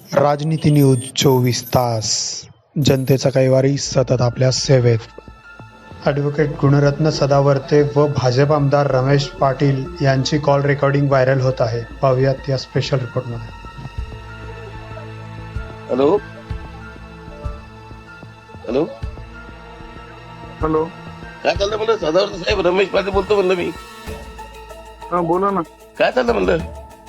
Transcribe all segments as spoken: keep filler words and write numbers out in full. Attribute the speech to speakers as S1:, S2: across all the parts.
S1: राजनीती न्यूज चोवीस तास, जनतेचा कैवारी सतत आपल्या सेवेत. ॲडव्होकेट गुणरत्न सदावर्ते व भाजप आमदार रमेश पाटील यांची कॉल रेकॉर्डिंग व्हायरल होत आहे. पाहूयात या स्पेशल रिपोर्टमध्ये.
S2: हॅलो हॅलो
S3: हॅलो,
S2: काय चाललं म्हणलं? सदावर्ते साहेब, रमेश पाटील बोलतो म्हणलं मी.
S3: हा बोला ना.
S2: काय चाललं म्हणलं?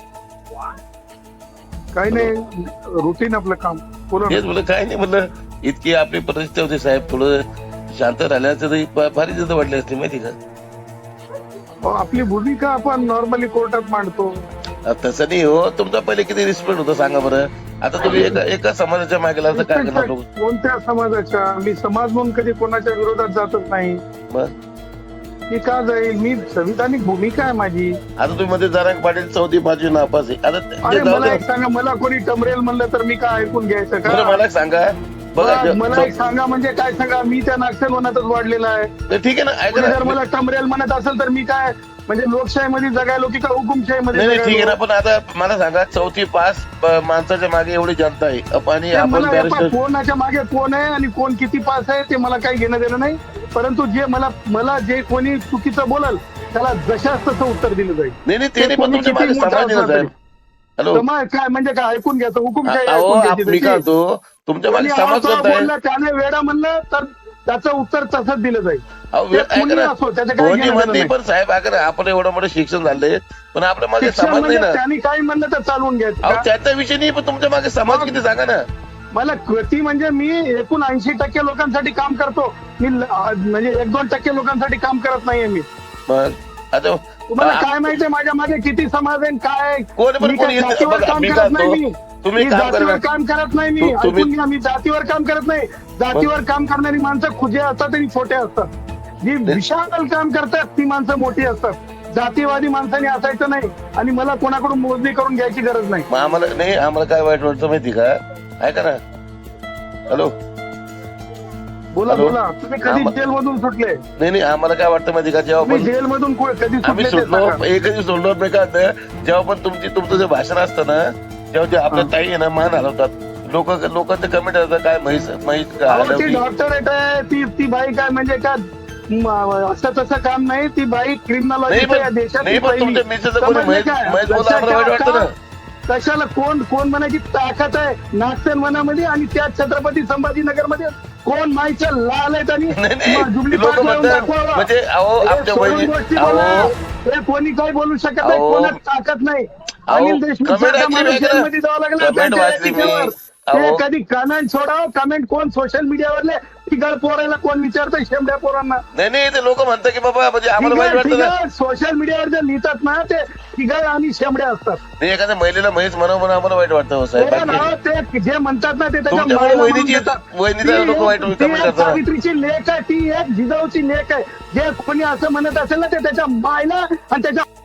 S3: काही नाही, रुटीन आपलं काम. बोला
S2: हेच
S3: ना.
S2: म्हणलं, काय नाही म्हणलं. इतकी आपली परिस्थिती होती साहेब, थोडं शांत राहिल्याचं तरी फ- फार इज्जत वाटली असते, माहिती का?
S3: अहो, आपली भूमिका आपण नॉर्मली कोर्टात मांडतो.
S2: अ, तसं नाही हो. तुमचा पहिले किती रिस्पेक्ट होता सांगा बरं. आता तुम्ही एका एका समाजाच्या मागे लागता, काय करणार लोक?
S3: कोणत्या समाजाच्या? मी समाज म्हणून कधी कोणाच्या विरोधात जातच नाही.
S2: मग
S3: मी का जाईल? मी संविधानिक भूमिका आहे माझी.
S2: आता तुम्ही मध्ये जरांग पाटील चौथी पाचवी नापास आहे. आता ते-
S3: अरे
S2: ते जाऊ
S3: मला
S2: द्या.
S3: एक सांगा, मला कोणी टमरेल म्हणलं तर मी काय ऐकून घ्यायचं
S2: बरं,
S3: का?
S2: मला एक सांगा बघा.
S3: मला-
S2: ज-
S3: मला एक सांगा म्हणजे काय सांगा? मी त्या नक्षलवनातच वाढलेला आहे.
S2: ज- ठीक आहे ना, ऐका
S3: कोणी जर
S2: ना.
S3: मला टमरेल म्हणत असेल तर मी काय म्हणजे लोकशाहीमध्ये जगायलो की का हुकुमशाहीमध्ये
S2: नाही नाही, ठीक आहे ना.
S3: जगायलो?
S2: पण आता मला सांगा, चौथी पास प- माणसाच्या मागे एवढी जनता आहे. अप- आणि
S3: ते
S2: आपण
S3: मला
S2: बॅरिस्टर
S3: या कोणाच्या मागे कोण आहे आणि कोण किती पास आहे ते मला काही घेणं देणं नाही. परंतु जे मला मला जे कोणी चुकीचं बोलल त्याला जशाच तसं उत्तर दिलं जाईल.
S2: नाही नाही, ते
S3: ते
S2: नाही, पण
S3: कोणी
S2: तुमच्या
S3: किती
S2: मागे
S3: मोठा
S2: समाज आहे ना
S3: असला
S2: साहेब. हॅलो,
S3: समाज काय म्हणजे काय ऐकून घ्यायचं? हुकुमशाही
S2: अहो
S3: ऐकून घ्यायची
S2: आप- मी
S3: त्याची.
S2: काय होतो, तुमच्या मागे
S3: कोणी
S2: समाज
S3: असं
S2: करताय.
S3: बोललं, त्याने वेडा म्हणलं तर त्याचं उत्तर तसंच दिलं जाईल.
S2: अहो,
S3: ते
S2: ऐका
S3: कोणी
S2: ना.
S3: असो, त्याचं काही
S2: कोणी
S3: घेणं
S2: म्हणते,
S3: देणं
S2: पण साहेब ऐका ना, आपण एवढं मोठं शिक्षण झालंय, पण आपल्या मागे
S3: शिक्षण
S2: समाज नाही
S3: म्हणजे
S2: ना.
S3: त्यांनी काही म्हणलं तर चालवून घ्यायचं
S2: अहो
S3: का?
S2: त्याचा विषय नाही, पण तुमच्या मागे समाज किती सांगा ना.
S3: मला कृती म्हणजे मी एकूण ऐंशी टक्के लोकांसाठी काम करतो. मी ल- म्हणजे एक दोन टक्के लोकांसाठी काम करत नाहीये मी.
S2: मग आता
S3: तुम्हाला
S2: आ-
S3: काय माहितीये माझ्या मागे किती समाज आहे, काय आहे?
S2: कोण पण
S3: मी
S2: कोणी
S3: काय
S2: येत-
S3: जातीवर
S2: बघा,
S3: काम
S2: मी
S3: करत
S2: काय
S3: नाही
S2: म्हणतो,
S3: मी.
S2: तुम्ही
S3: मी
S2: काम
S3: जातीवर
S2: करा.
S3: काम करत नाही मी.
S2: तु- तुम्ही-
S3: ऐकून घ्या, मी जातीवर काम करत नाही. जातीवर काम करणारी माणसं खुजे असतात आणि छोटे असतात. जी विशाल काम करतात ती माणसं मोठी असतात. जातीवादी माणसाने असायचं नाही आणि मला कोणाकडून मोजणी करून घ्यायची गरज नाही.
S2: मग आम्हाला नाही, आम्हाला काय वाईट वाटतं माहिती का? ऐका ना. हॅलो,
S3: बोला
S2: हॅलो?
S3: बोला. तुम्ही कधी
S2: आम्हा-
S3: जेल मधून सुटले?
S2: नाही नाही, आम्हाला काय वाटतं माहिती का, जेव्हा
S3: तुम्ही
S2: पण
S3: जेल मधून कधी
S2: आम्ही
S3: सुटले ते
S2: सोडलो,
S3: सांगा.
S2: एकही सोडलो नाही का. आता जेव्हा पण तुमची तुमचं जे भाषण असतं ना, तेव्हा जे आपल्या
S3: हा.
S2: ताई आहे ना, मान हलवतात लोक. लोकांचे कमेंट असतात, काय म्हैस म्हैस का
S3: अहो, ती
S2: हलवली.
S3: डॉक्टरेट आहे, ती ती बाई काय म्हणजे का म, असं तसं काम नाही. ती बाई
S2: नाही
S3: क्रिमिनॉलॉजी
S2: पण
S3: या देशात
S2: नाही, पण तुमच्या मिसेसचं कोणी म्हैस म्हैस बोलला, आम्हाला वाईट वाटतं ना.
S3: कशाला कोण कोण म्हणायची ताकद आहे नागसेन वनामध्ये आणि त्या छत्रपती संभाजीनगर मध्ये कोण माईच्या लाल आहेत आणि
S2: नाही, नाही.
S3: जुबली
S2: लोकं
S3: पार्क लावून
S2: म्हणतात,
S3: दाखवावा.
S2: म्हणजे अहो,
S3: हे
S2: आपल्या
S3: सोडून
S2: बहिणी-
S3: गोष्टी
S2: अहो.
S3: बोला. हे कोणी काही बोलू शकत नाही.
S2: अहो.
S3: कोणाच ताकद नाही.
S2: अहो,
S3: अनिल देशमुख
S2: comment
S3: सारखा
S2: वाचली
S3: माणूस
S2: मी,
S3: जेलमध्ये जावं लागला
S2: comment
S3: त्यांच्या
S2: वाचली मी.
S3: याचिकेवर.
S2: अहो.
S3: ते कधी कमेंट सोडाव. कमेंट कोण सोशल मीडियावरले तिघड पोरायला कोण विचारतं शेमड्या पोरांना?
S2: नाही नाही, ते लोक म्हणतात की बाबा, म्हणजे आम्हाला वाईट वाटतं ना.
S3: सोशल मीडियावर जे लिहितात ना ते तिघड आणि शेमड्या असतात.
S2: नाही, एखाद्या महिलेला म्हैस म्हणावं म्हणून आम्हाला वाईट वाटतं हो साहेब.
S3: हो ना,
S2: बाकी-
S3: ते जे म्हणतात ना ते त्याच्या
S2: तुमच्यामुळे
S3: मायला म्हणून
S2: वहिनीची-
S3: देतात.
S2: वहिनीला
S3: ती
S2: लोकं वाईट
S3: एक- ती
S2: comment
S3: एक
S2: करतात.
S3: सावित्रीची लेख आहे. ती एक जिजाऊची लेख आहे. जे कोणी असं म्हणत असेल ना ते त्याच्या मायला आणि त्याच्या